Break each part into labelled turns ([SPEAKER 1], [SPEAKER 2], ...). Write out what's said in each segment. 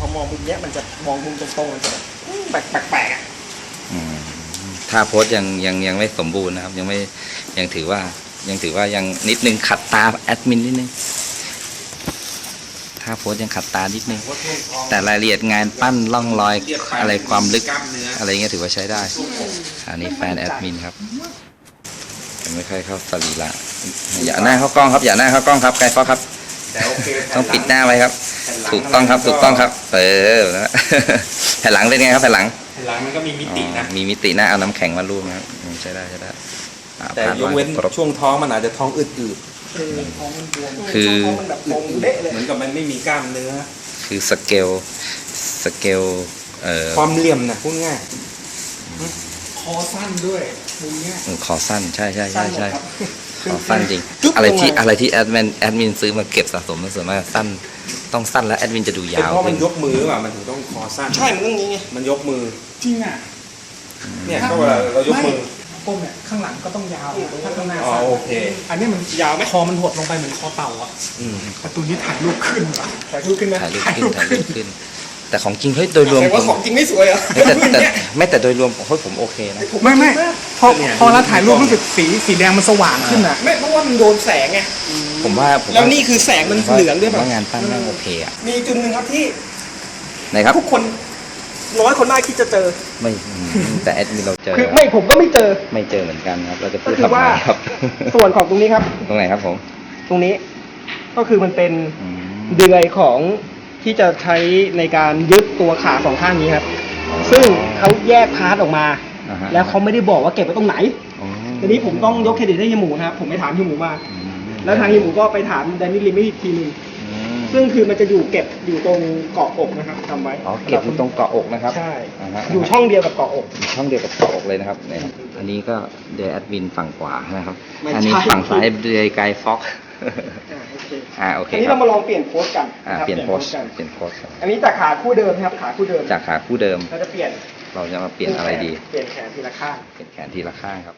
[SPEAKER 1] อมองมุมเนี้ยมันจะมองมุมตรงๆมันจะแบบแปลกๆอ่ะ
[SPEAKER 2] ถ้าโพสยังไม่สมบูรณ์นะครับยังถือว่ายังนิดนึงขัดตาแอดมินนิดนึงถ้าโพสยังขัดตานิดนึงแต่รายละเอียดงานปั้นร่องรอยอะไรความลึกอะไรเงี้ยถือว่าใช้ได้อันนี้แฟนแอดมินครับยังไม่ค่อยเข้าสรีระอย่าหน้าเข้ากล้องครับอย่าหน้าเข้ากล้องครับไกด์ฟอกครับต้องปิดหน้าไว้ครับถูกต้องครับนะแผ่นหลังเป็นไงครับแผ่นหลัง
[SPEAKER 1] มันก็มีมิตินะ
[SPEAKER 2] มีมิติหน้าเอาน้ำแข็งมาลูบนะครับใช้ได้
[SPEAKER 1] แต่ยกเว้นช่วงท้องมันอาจจะท้องอืดท้องมันบวมคือท้องมันแบบบวมเละเลยเหมือนกับมันไม่มีกล้ามเนื้อ
[SPEAKER 2] คือสเกล
[SPEAKER 1] ความเหลี่ยมนะพูดง่ายคอสั้นด้วยมุมเนี้ย
[SPEAKER 2] คอสั้นใช่คอสั้นจริงอะไรที่แอดมินซื้อมาเก็บสะสมมันส่วนมากสั้นต้องสั้นแล้วแอดมินจะดูยาว
[SPEAKER 1] เพราะมันยกมือว่ะมันถึงต้องคอสั้นใช่มันต้องนี้ไงมันยกมือ
[SPEAKER 3] จริงอ่ะ
[SPEAKER 1] เนี่ยก็เวลาเรายกมือ
[SPEAKER 3] ก้มเนี่ยข้างหลังก็ต้องยาวถ้าข้างหน้า
[SPEAKER 1] โอเค
[SPEAKER 3] อันนี้มัน
[SPEAKER 1] ยาวไหม
[SPEAKER 3] คอมันหดลงไปเหมือนคอเต่าอ่ะแต่ตัวนี้ถ่ายรูปขึ้นว่ะถ่ายรูปขึ้น
[SPEAKER 2] แต่ของจริงเฮ้ยโดยรวม
[SPEAKER 1] แต่ว่าของจริงไม่สวยอ่ะ
[SPEAKER 2] แต่โดยรวมผมโอเคนะ
[SPEAKER 3] ไม่พอเราถ่ายรูปรู้สึกสีแดงมันสว่างขึ้นอ่ะ
[SPEAKER 1] ไม่เพราะว่ามันโดนแสงไง
[SPEAKER 2] ผมว่า
[SPEAKER 1] แล้วนี่คือแสงมันเหลืองด้วย
[SPEAKER 2] ว่างานปั้นน่าโอเคอ่ะ
[SPEAKER 1] มีจุดหนึ่งครับที่
[SPEAKER 2] ไหนครับ
[SPEAKER 1] ทุกคน100 คนได้คิดจะเจอ
[SPEAKER 2] ไม่แต่แอดมินเราเจอ
[SPEAKER 1] คือไม่ผมก็ไม่เจอ
[SPEAKER 2] เหมือนกันครับเราจะพูดทำไมครับ
[SPEAKER 1] ส่วนของตรงนี้ครับ
[SPEAKER 2] ตรงไหนครับผม
[SPEAKER 1] ตรงนี้ก็คือมันเป็นเดือยของที่จะใช้ในการยึดตัวขาสองข้างนี้ครับซึ่งเขาแยกพาร์ทออกมาแล้วเขาไม่ได้บอกว่าเก็บไว้ตรงไหนทีนี้ผมต้องยกเครดิตให้เฮียหมูนะครับผมไปถามเฮียหมูมาแล้วทางเฮียหมูก็ไปถามแดนนี่ลิมอีกทีนึงซึ่งคือมันจะเก็บอยู่ตรงเกาะอกนะครับจำไว้
[SPEAKER 2] เก็บอยู่ตรงเกาะอกนะครับ
[SPEAKER 1] ใช่อยู่ช่องเดียวกับเกาะอก
[SPEAKER 2] ช่องเดียวกับเกาะอกเลยนะครับเนี่ยอันนี้ก็เดย์แอดมินฝั่งขวานะครับอันนี้ฝั่งซ้ายเดย์ไกด์ฟ็อกโอเค
[SPEAKER 1] อันนี้เรามาลองเปลี่ยนโพสกัน
[SPEAKER 2] เปลี่ยนโพส
[SPEAKER 1] อันนี้จากขาคู่เดิมครับขาคู่เดิมเราจะเปลี่ยน
[SPEAKER 2] เราจะมาเปลี่ยนอะไรดี
[SPEAKER 1] เปลี่ยนแขนทีละข้าง
[SPEAKER 2] ครับ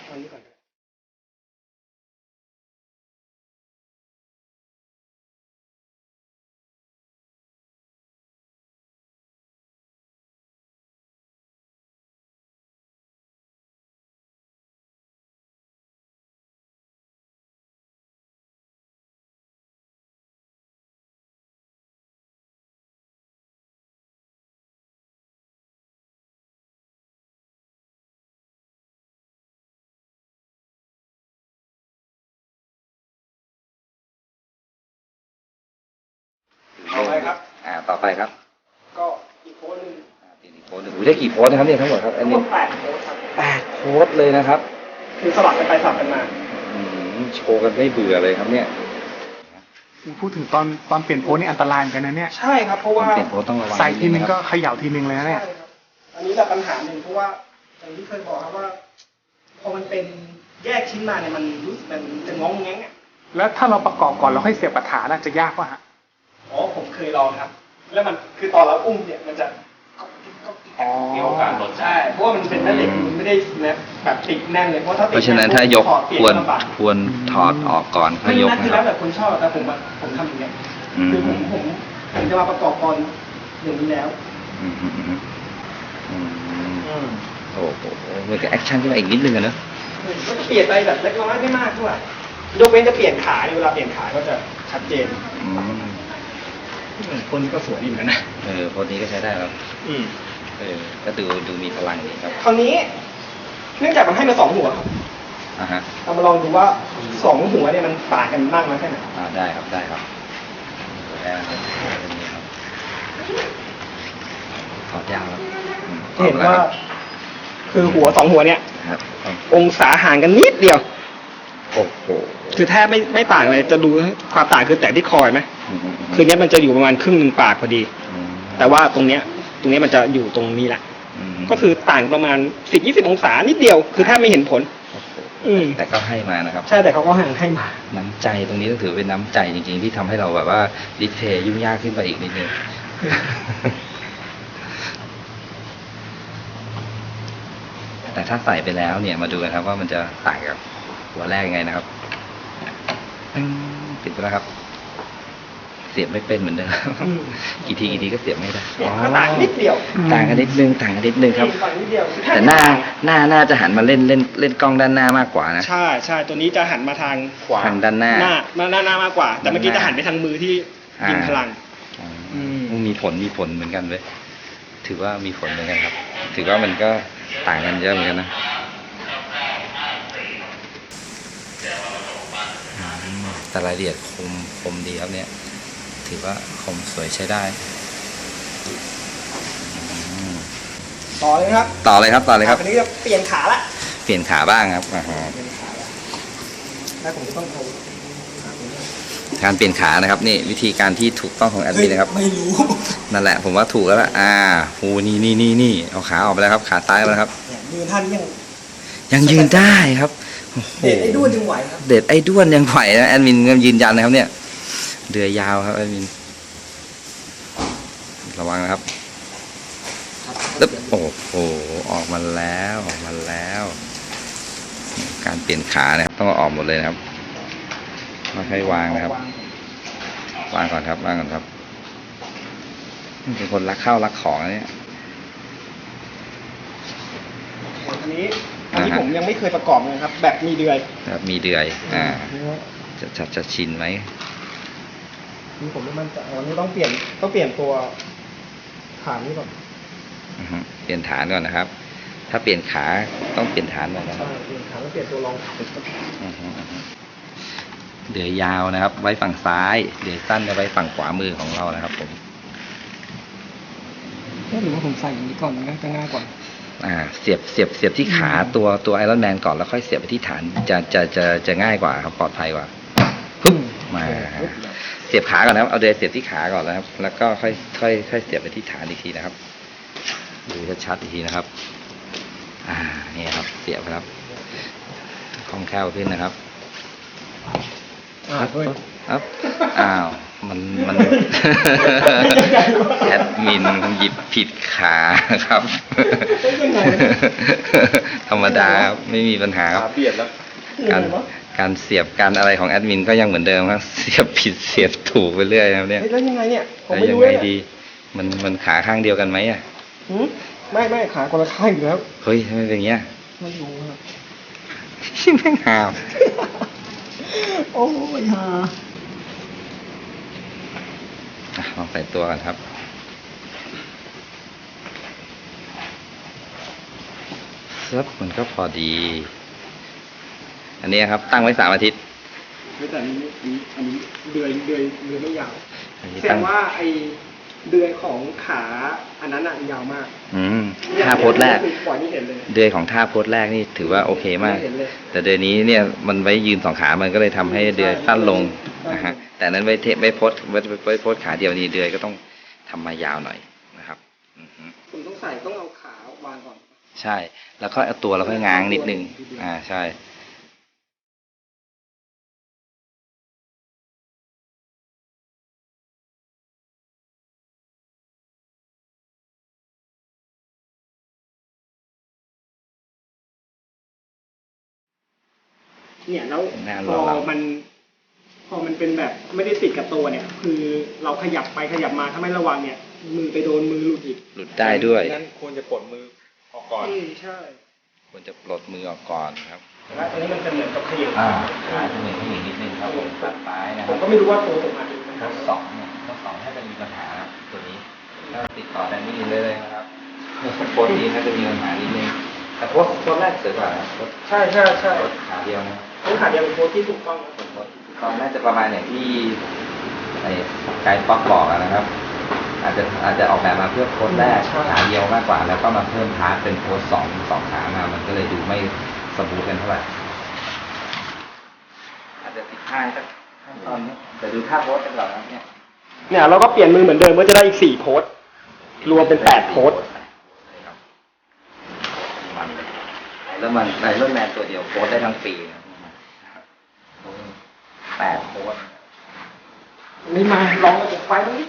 [SPEAKER 2] ต่อไปครับ
[SPEAKER 1] ก็อีกโพสหนึ่ง
[SPEAKER 2] ได้กี่โพสนะครับเนี่ยทั้งหมดครับอันนี้
[SPEAKER 1] 8 โพสครับ
[SPEAKER 2] 8 โพสเลยนะครับ
[SPEAKER 1] คือสลับกันไปสลับกันมา
[SPEAKER 2] โชว์กันไม่เบื่อเลยครับเนี่ย
[SPEAKER 3] พูดถึงตอนเปลี่ยนโพสนี่อันตรายกันนะเนี่ย
[SPEAKER 1] ใช่ครับเพราะว่า
[SPEAKER 2] เปลี่ยนโพสต้องระวัง
[SPEAKER 3] ใส่ทีนึงก็เขย่าทีนึงเลยนะเนี่ย
[SPEAKER 1] อันนี้แบบปัญหาหนึ่งเพราะว่าอย่างที่เคยบอกครับว่าพอมันเป็นแยกชิ้นมาเนี่ยมันรู้สึกมันจะงงแงงอ่ะ
[SPEAKER 3] แล้วถ้าเราประกอบก่อนเราให้เสียบปัญหาน่าจะยากป่ะฮะ
[SPEAKER 1] ผมเคยลองครับแล้วมันคือตอนเราอุ้มเนี่ยมันจะมีโอกาสหล่นใช่เพราะว่ามันเป็นแม่เหล็กมันไม่ได้แบบติดแน่นเลยเพราะ
[SPEAKER 2] ฉะนั้นถ้ายกควรถอดออกก่อนค่อยยก
[SPEAKER 1] นะครับแล้วแต่คนชอบแต่ผมทำอย่างเงี้ยคือผมจะมาประกอบตอนอย่างนี้แล้ว
[SPEAKER 2] โอ้โหมันจะแอคชั่นขึ้นมาอีกนิดนึงอะเนอะ
[SPEAKER 1] ก็จะเปลี่ยนไปแบบเล็กน้อยไม่มากด้วยยกเว้นจะเปลี่ยนขาเวลาเปลี่ยนขาก็จะชัดเจนคนนี้ก็สวยดีเหมือนกันนะ
[SPEAKER 2] คนนี้ก็ใช้ได้แล้วก็ดูมีพลังดีครับ
[SPEAKER 1] คราวนี้เนื่องจากมันให้มา2 หัวครับเรามาลองดูว่า2 หัวเนี่ยมันต่างกันมากน้อยแค่ไหน
[SPEAKER 2] ได้ครับได้ครับถอดยาวแล้ว
[SPEAKER 1] เห็นว่าคือหัว2 หัวเนี่ยองศาห่างกันนิดเดียว
[SPEAKER 2] โอ้โห
[SPEAKER 1] คือแทบไม่ต่างเลยจะดูความต่างคือแต่ที่คอยไหมคือเนี้ยมันจะอยู่ประมาณครึ่ง 1 ปากพอดีแต่ว่าตรงเนี้ยมันจะอยู่ตรงนี้แหละก็คือต่างประมาณ10-20 องศานิดเดียวคือแทบไม่เห็นผล
[SPEAKER 2] แต่ก็ให้มานะครับ
[SPEAKER 1] ใช่แต่เขาก็ให้มา
[SPEAKER 2] น้ำใจตรงนี้ต้องถือเป็นน้ำใจจริงๆที่ทำให้เราแบบว่าดิสเพย์ยุ่งยากขึ้นไปอีกนิดนึงแต่ถ้าใส่ไปแล้วเนี่ยมาดูกันครับว่ามันจะต่างกับหัวแรกยังไงนะครับติดไปแล้วครับเสียบไม่เป็นเหมือนเดิมกี่ทีก็เสียบไม่ได้
[SPEAKER 1] เนี่ยก็ต่างนิดเดียว
[SPEAKER 2] ต่างกันนิดนึงครับ
[SPEAKER 1] ต่างนิดเดียว
[SPEAKER 2] แต่หน้าจะหันมาเล่นกล้องด้านหน้ามากกว่านะ
[SPEAKER 1] ใช่ตัวนี้จะหันมาทางขวา
[SPEAKER 2] ทางด้านหน้า
[SPEAKER 1] หน้ามากกว่า แต่เมื่อกี้จะหันไปทางมือที่ยิงพลัง
[SPEAKER 2] มีผลเหมือนกันเว้ยถือว่ามีผลเหมือนกันครับ ถือว่ามันก็ต่างกันเยอะเหมือนกันนะแต่รายละเอียดคมดีครับเนี่ยถือว่าคมสวยใช้ได้
[SPEAKER 1] ต่อเลยครับ
[SPEAKER 2] ต่อเลยครับ
[SPEAKER 1] อันนี้จะเปลี่ยนขาละ
[SPEAKER 2] เปลี่ยนขาบ้างครับ
[SPEAKER 1] แล้วผมจะต้องเอา
[SPEAKER 2] การเปลี่ยนขานะครับนี่วิธีการที่ถูกต้องของแอดมินนะครับ
[SPEAKER 1] ไม่รู้
[SPEAKER 2] นั่นแหละผมว่าถูกแล้วล่ะโอ้นี่เอาขาออกไปแล้วครับขาซ้ายมาแล้วครับ
[SPEAKER 1] เนี่ยยืนท่าน
[SPEAKER 2] ยังยืนได้ครับโอ้โห
[SPEAKER 1] เด็ดไอ้ด้วนยังไหวครับ
[SPEAKER 2] เด็ดไอ้ด้วนยังไหวนะแอดมินยืนยันนะครับเนี่ยเดือยยาวครับแอดมินระวังนะครับตึ๊บโอ้โหออกมาแล้วการเปลี่ยนขานะครับต้องเอาออกหมดเลยนะครับไม่ให้วางนะครับวางก่อนครับเป็นคนรักข้าวรักของเนี่ย
[SPEAKER 1] อันนี้ผมยังไม่เคยประกอบเลยครับ แบบมีเดือย
[SPEAKER 2] ครับมีเดือยจะชินไหม
[SPEAKER 1] นี่ผมไม่มั่นใจอันนี้ต้องเปลี่ยนตัวฐานนี้ก่อน
[SPEAKER 2] เปลี่ยนฐานก่อนนะครับ ถ้าเปลี่ยนขาต้องเปลี่ยนฐานก่อนนะ
[SPEAKER 1] ใช่เปลี่ยนฐานแล้วเปลี่ยนตัวรอง
[SPEAKER 2] เดือยยาวนะครับ ไว้ฝั่งซ้ายเดือยสั้นจะไว้ฝั่งขวามือของเรานะครับผม
[SPEAKER 1] หรือว่าผมใส่อย่างนี้ก่อนก็จะง่ายกว่า
[SPEAKER 2] เสียบที่ขาตัวไอรอนแมนก่อนแล้วค่อยเสียบไปที่ฐานจะง่ายกว่าครับปลอดภัยกว่าปึ๊บมาเสียบขาก่อนนะครับเอาเดือยเสียบที่ขาก่อนนะครับ แล้วก็ค่อยเสียบไปที่ฐานอีกทีนะครับดูชัดๆอีกทีนะครับนี่ครับเสียบครับคล่องแคล่วขึ้นนะครับครับอ้าวมันแอดมินหยิบผิดขาครับธรรมดาครับไม่มีปัญหาครับการเสียบการอะไรของแอดมินก็ยังเหมือนเดิมครับเสียบผิดเสียบถูกไปเรื่อยครับเนี่ย
[SPEAKER 1] แล้วยังไงเนี่ยผมไม่
[SPEAKER 2] ยัง
[SPEAKER 1] รู้
[SPEAKER 2] ไง
[SPEAKER 1] เลย
[SPEAKER 2] ดีมันขาข้างเดียวกันไหม
[SPEAKER 1] ไม่ขาคนละข้างอยู่แล้ว
[SPEAKER 2] เฮ้ยทำไมเป็นอย่างเงี้ย
[SPEAKER 1] ไม่รู้ครับ
[SPEAKER 2] ชิมแม่งหาว
[SPEAKER 1] โอ้ยฮะ
[SPEAKER 2] ลองใส่ตัวกันครับซับมันก็พอดี อันนี้ครับตั้งไว้3 อาทิตย์
[SPEAKER 1] แต่อันนี้เดือยไม่ยาว
[SPEAKER 2] แส
[SPEAKER 1] แสดงว่าไอเดือยของขาอันนั้นอ่ะยาวมาก
[SPEAKER 2] ท่าโพสแรก
[SPEAKER 1] ปล่อยไม่เห็นเลย
[SPEAKER 2] เดือยของท่าโพสแรกนี่ถือว่าโอเคมาก แต่เดือยนี้เนี่ยมันไว้ยืน2 ขา มันก็เลยทำให้เดือยสั้นลงนะฮะแต่นั้นไว้โพสขาเดียวนี้เดือยก็ต้องทำมายาวหน่อยนะครับ
[SPEAKER 1] ผมต้องเอาขาวางก่อน
[SPEAKER 2] ใช่แล้วก็เอาตัวเราค่อยง้างนิดนึงใช่
[SPEAKER 1] เนี่ยแล้วพอมันเป็นแบบไม่ได้ติดกับตัวเนี่ย คือเราขยับไปขยับมาถ้าไม่ระวังเนี่ย มือไปโดนมือหลุด
[SPEAKER 2] ได้ด้วย
[SPEAKER 3] งั้นควรจะปลดมือออกก่อน
[SPEAKER 1] ใช่
[SPEAKER 2] ควรจะปลดมือออกก่อนครับ
[SPEAKER 1] แล้วอันนี้มันจะเหมือนกับขยับ
[SPEAKER 2] ขาจะเหมือนขยับนิดนึงครับผมตัดซ้ายนะค
[SPEAKER 1] ผ
[SPEAKER 2] รับ
[SPEAKER 1] มก็ไม่รู้ว่าตัวผมอาจจะ
[SPEAKER 2] ข้อ2เนี่ยข้อ2ถ้าจะมีปัญหาตัวนี้ถ้าติดต่อได้ไม่ดีเลยนะครับโพสนี้ถ้าจะมีปัญหานิดนึงแต่โพสแรกเสร็จกว่านะ
[SPEAKER 1] ใช่
[SPEAKER 2] ขาเดียวนะ
[SPEAKER 1] ต้องขาเดียวเป็นโพสที่ถูกต้อง
[SPEAKER 2] ตอนน่าจะประมาณอย่างที่ไอ้ไกด์ป๊อกบอกนะครับ อาจจะออกแบบมาเพื่อโพสแรกขาเดียวมากกว่าแล้วก็มาเพิ่มพาร์ทเป็นโพส2ขามามันก็เลยดูไม่สมูทกันเท่าไหร่อาจจะติดท่าสักขั้นตอนนี้แต่ดูท่าโพสกันก่อนนะ
[SPEAKER 1] เนี่ยเราก็เปลี่ยนมือเหมือนเดิมก็จะได้อีก4 โพสรวมเป็น8 โพส
[SPEAKER 2] แล้วมันไอรอนแมนตัวเดียวโพสได้ทั้งปี8 โพส
[SPEAKER 1] นี่มาลองระบบไฟตรงนี้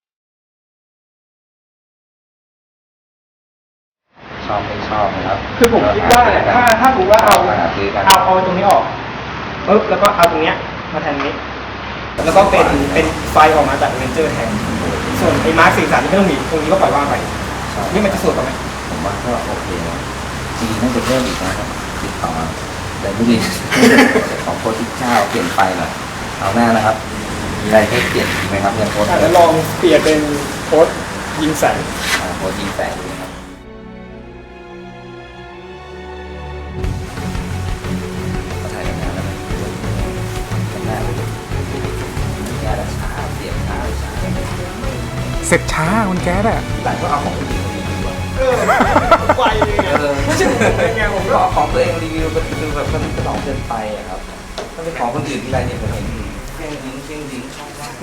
[SPEAKER 2] ชอบไม่ชอบนะครับ
[SPEAKER 1] คือผมคิดว่าถ้าผมว่าเอาตรงนี้ออกปึ๊บแล้วก็เอาตรงเนี้ยมาแทนนี้แล้วก็เป็นไฟออกมาจากเลนเจอร์แทนส่วนไอ้มาร์ค43นี่ไม่ต้องมีตรงนี้ก็ปล่อยว่างไปนี่มันจะสวยกว่าไหม
[SPEAKER 2] ผมว่าก็โอเคนะจริงๆน่าจะเพิ่มอีกนะครับติดต่อแต่ไม่ดี ของโค้ดที่เจ้าเปลี่ยนไฟหน่อยเอาหน้านะครับมีอะไรให้เปลี่ยนอีกไหมครับยังโค้ด
[SPEAKER 1] แล้วลองเปลี่ยนเป็นโค้ดยิงแสง
[SPEAKER 2] โค้ดยิงแสงดูนะครับก็ถ่ายกันนานแล้วนะกันหน้าเลยแก้แล้วช้าเสียงช้าเลยช้า
[SPEAKER 3] เสร็จช้าคุณแก๊สอะ
[SPEAKER 2] แต่ก็เอาของคนอื่นมารีวิวอะ
[SPEAKER 1] ไฟเลย
[SPEAKER 2] ไม่ใช่ผมเป็นไงผมก็เอาของตัวเองรีวิวมันดูแบบมันก็หลอกเกินไปอะครับถ้าเป็นของคนอื่นที่ไรเนี่ยผมเห็นเพ่งดิ้งช่องว่าง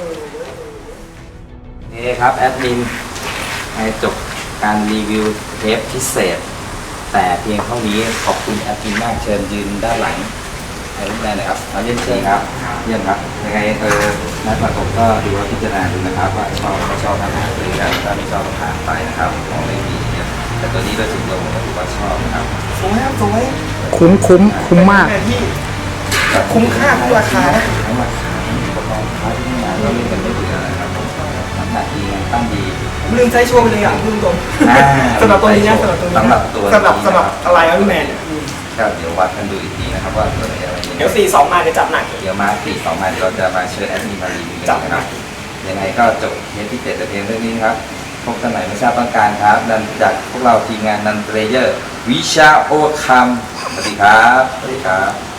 [SPEAKER 2] นี่ครับแอดมินให้จบการรีวิวเทปพิเศษ แต่เพียงเท่านี้ขอบคุณแอดมินมากเชิญยืนด้านหลังให้รูปแรกหน่อยครับเราเยี่ยมเชิญครับเยี่ยมครับยังไงนัดประกบก็ดูว่าพิจารณาดูนะครับว่าชอบไม่ชอบทำหาหรือถ้าไม่ชอบก็ผ่านไปนะครับของไม่ดีเนี่ยแต่ตัวนี้โดยส่วนตัวผมก็ถือว่าชอบนะครับ
[SPEAKER 1] สวยครับสวย
[SPEAKER 3] คุ้มมาก
[SPEAKER 1] แต่ที่คุ้มค่าทุกราคานะ
[SPEAKER 2] ทั้งราคาทั้งอุปกรณ์ค้าที่งานก็เล่นกันไม่เบื่อนะครับผมน้ำหนักดีงานตั้งดี
[SPEAKER 1] ลืมใช้โชว์ไปเลยอ่ะลืมตรง
[SPEAKER 2] อ่า
[SPEAKER 1] สำหรับตัวนี้นะสำหรับตัวนี้
[SPEAKER 2] สำหรับตัว
[SPEAKER 1] สำหรับอะไรอัลแมนเนี่ย
[SPEAKER 2] ก็เดี๋ยววัดกันดูอีกทีนะครับว่าตัวไหนอะไรยังไง
[SPEAKER 1] เดี๋ยว42มาเดี๋ยวจับหนัก
[SPEAKER 2] เดี๋ยวมา4-2มาเดี๋ยวเราจะมาเชิญแอดมินมารีวิวกันนะครับ ยังไงก็จบเทปที่7แต่เพียงเท่านี้ครับ พบกันใหม่ไม่ทราบต้องการครับนันจากพวกเราทีมงานนันเทรเยอร์วิชาโอคัมสวัสดีครับ สวัสดีครับ